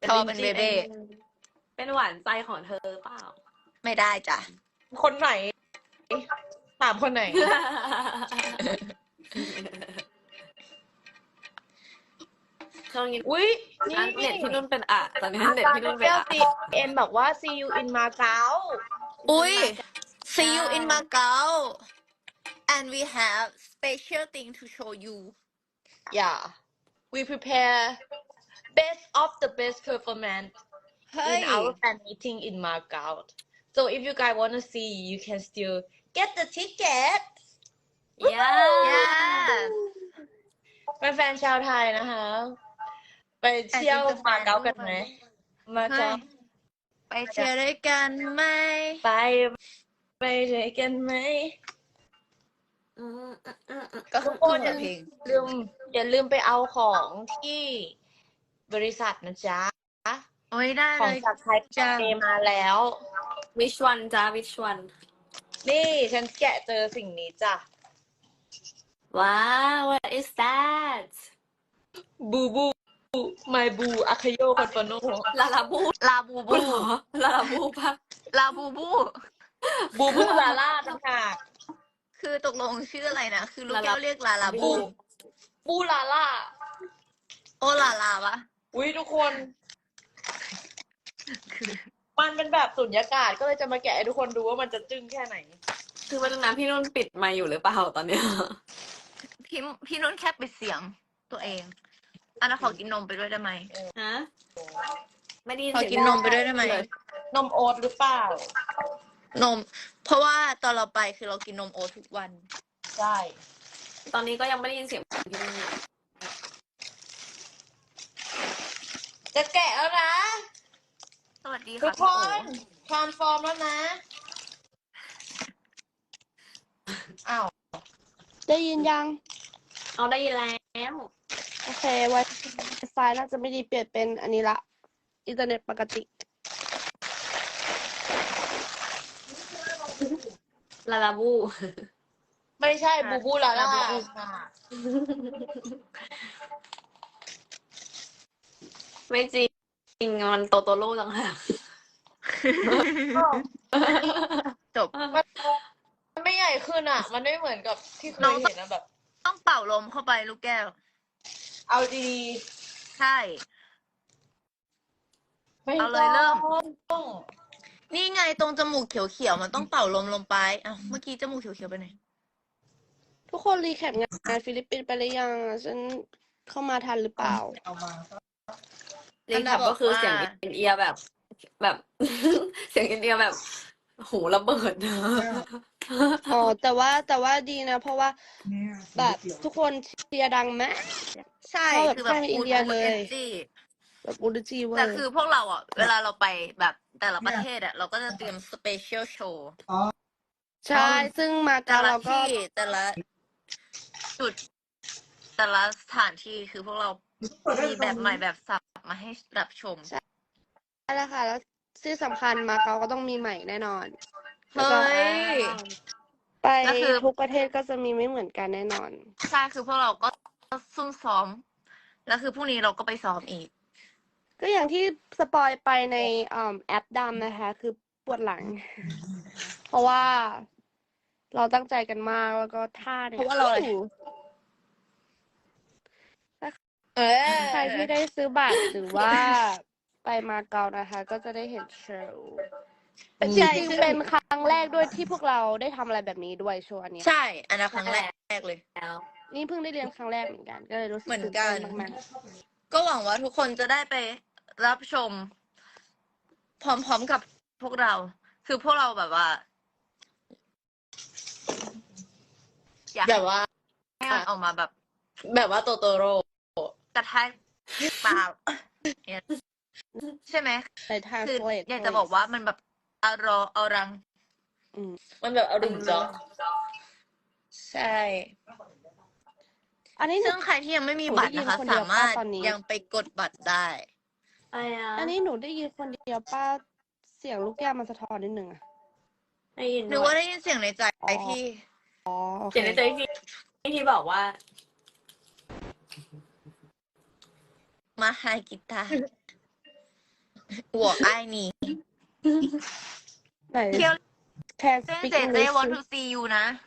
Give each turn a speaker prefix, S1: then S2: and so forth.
S1: ทอเป็นเบเบ้
S2: เป็นหวานใจของเธอเปล่า
S1: ไม่ได้จ้ะ
S3: คนไหนถามคนไหน
S2: ช่วงนี้
S3: อุ้ยนี่
S2: เน็ตพี่นุ่นเป็นอะตอนนี้เน็ตพี่นุ่นเป็นอะ
S3: เอ็นบอกว่า see you in Macau
S1: อุ้ย see you in Macau and we have special thing to show you
S3: yeah we prepare best of the best performance
S1: เฮ้
S3: in
S1: ย
S3: our fan meeting in Macau so if you guys want to see you can still get the ticket
S2: ย่า
S1: yes
S3: เป็นแฟนชาวไทยนะคะ ไปเที่ยวมาเก๊ากันไหมมา
S1: เฮ้
S3: เก๊าย
S1: ไปเที่ยวด้วยกันไหม
S3: ไปด้วยกันไหม
S1: ก็คือ
S3: ทุกคน
S1: เพลง
S3: อย่าลืมไปเอาของที่บริษัทนะจ๊ะ
S1: โอ้ยได้
S3: ข
S1: เล
S3: อง
S1: ย
S3: จากไทย
S1: จ้ะ
S3: เอมาแล้ว
S2: which one จ้า which one
S3: นี่ฉันแกะเจอสิ่งนี้จ้ะ
S2: ว้าว what is that
S3: บูบูไมบูอาคาโยคอนโฟโน
S2: ลาลาบู
S1: ลาบูบู
S2: เหรอลาลาบูปะ
S1: ลาบูบู
S3: บูบูลาล่าต่างหาก
S1: คือตกลงชื่ออะไรนะ คือลูกแก้วเรียกลาลาบู
S3: บูลาล่า
S1: โอลาลาปะ
S3: อุ้ยทุกคน มันเป็นแบบสุญญากาศก็เลยจะมาแกะให้ทุกคนดูว่ามันจะจึ้งแค่ไหน
S2: คือวันนั้นพี่นุ่นปิดไมค์อยู่หรือเปล่าตอนเนี้ย
S1: พี่นุ่นแค่ปิดเสียงตัวเองอันนั้นขอกินนมไปด้วยได้ไหม
S2: ฮะไม่ได้ยิน
S1: ขอ
S2: เสียง
S1: กินนมไปด้วยได้ไหม
S3: นมโอ๊ตหรือเปล่า
S1: นม เพราะว่าตอนเราไปคือเรากินนมโอ๊ตทุกวัน
S3: ใช่
S2: ตอนนี้ก็ยังไม่ได้ยินเสียงพี่นุ่น
S3: จะแกะแล้วนะ
S1: สวัสดี
S3: ทุ
S1: ค่ะ
S3: กคนทรานส์ฟอร์มแล้วนะ อ้าว
S4: ได้ยินยัง
S2: เอาได้ยินแล้ว
S4: โอเค Wi-Fi น่าจะไม่ดีเปลี่ยนเป็นอันนี้ละ อินเทอร์เน็ตปกติ
S2: ลาลาบู
S3: ไม่ใช่บูบูลาล่า
S2: ไม่จริงมันโตโตโร่ต่างหาก
S1: จบ
S3: มันไม่ใหญ่ขึ้นอ่ะ มันไม่เหมือนกับที่เคยเห็นนะแบบ
S1: ต้องเป่าลมเข้าไปลูกแก้ว
S3: เอาดี
S1: ใช่
S3: ๆไม่
S1: เอาเลยเริ่ม
S3: ต้อง
S1: นี่ไงตรงจมูกเขียวๆมันต้องเป่าลมลงไปอ้าวเมื่อกี้จมูกเขียวๆไปไหน
S4: ทุกคนรีแคปงานฟิลิปปินส์ไปหรือยังอะฉันเข้ามาทันหรือเปล่า
S3: เอามา
S2: รีแคปก็คือเสียงอินเอียร์แบบ เสียงอินเดียแบบ หูระเบิดนะ
S4: อ๋อ แต่ว่าดีนะ เพราะว่าแบบทุกคนเชียร์ดังมาก
S1: ใช่
S4: เข้าแบบ
S1: คือแบบ
S4: ค่ายอินเดียเลย
S1: จี
S4: แบบอุลจีเวอ
S1: แต่
S4: ร์
S1: คือพวกเราอ่ะ เวลาเราไปแบบแต่ละประเทศอ่ะ เราก็จะเตรียมสเปเชียลโชว์
S4: ใช่ ซึ่งมา
S1: แต่
S4: เก๊า
S1: ละ
S4: เราก็
S1: ที่แต่ละจุด แต่ละสถานที่คือพวกเรามีแบบใหม่แบบสับมาให้รับชม
S4: ได้แล้วค่ะ แล้วที่สำคัญมาเก๊าก็ต้องมีใหม่แน่นอน
S1: เฮ้ย
S4: ไป
S1: แล้วคือ
S4: ทุกประเทศก็จะมีไม่เหมือนกันแน่นอน
S1: ใช่คือพวกเราก็ซุ่มซ้อม แล้วคือพรุ่งนี้เราก็ไปซ้อมอีก
S4: ก็อย่างที่สปอยไปในแอปดำนะคะ คือปวดหลัง เพราะว่าเราตั้งใจกันมากแล้วก็ท่าเนี่ย
S1: เพราะว่าเราอะไร
S3: เออ
S4: ใครที่ได้ซื้อบัตรหรือว่าไปมาเก๊านะคะ ก็จะได้เห็นโชว์จ
S1: ใช่
S4: ริงๆเป็นครั้งแรกด้วยที่พวกเราได้ทำอะไรแบบนี้ด้วยโชว์อันเนี้ย
S1: ใช่ อันนั้นครั้งแรกเลย
S2: แล้ว
S4: นี่เพิ่งได้เรียนครั้งแรกเหมือนกัน ก็เลยรู้สึก
S1: เหมือน
S4: ตื่น
S1: กั
S4: เต้
S1: น
S4: นมาก
S1: ก็หวังว่าทุกคนจะได้ไปรับชม พร้อมๆกับพวกเรา คือพวกเราแบบว่า อยาก
S3: แบบว่า
S1: ให้มันออกมาแบบ
S3: แบบว่าโตโตโร่
S1: กระแทกปากเนี่ยใช่ไหม
S4: ๆไปทาง
S1: คือ
S4: สเลด
S1: อยากจะบอกว่ามันแบบอารอเอารัง
S3: มันแบบอรุณจ๊อก
S1: ใช่
S4: อันนี้หนู
S1: ซึ่งใครที่ยังไม่มีบัตรนะคะ
S4: หนูได้ยินคนเดียว
S1: สามารถ
S4: ป่ะตอนนี้
S1: ยังไปกดบัตรได้
S2: อะไรอ่ะ
S4: อันนี้หนูได้ยินคนเดียวป้าเสียงลูกแก้วมันสะท้อนนิดนึงอะ
S2: ได้ยิน
S1: หรือว่าได้ยินเสียงในใจ
S4: อ๋อ
S1: พี่
S4: อ๋อโอเค
S2: เสียงในใจที่บอกว่า
S1: มาไฮกีตาร์我爱你
S4: ไหน
S1: เที่ยว
S4: can
S1: เล่น
S4: speak
S1: เจเจ
S4: English
S1: want to see you นะ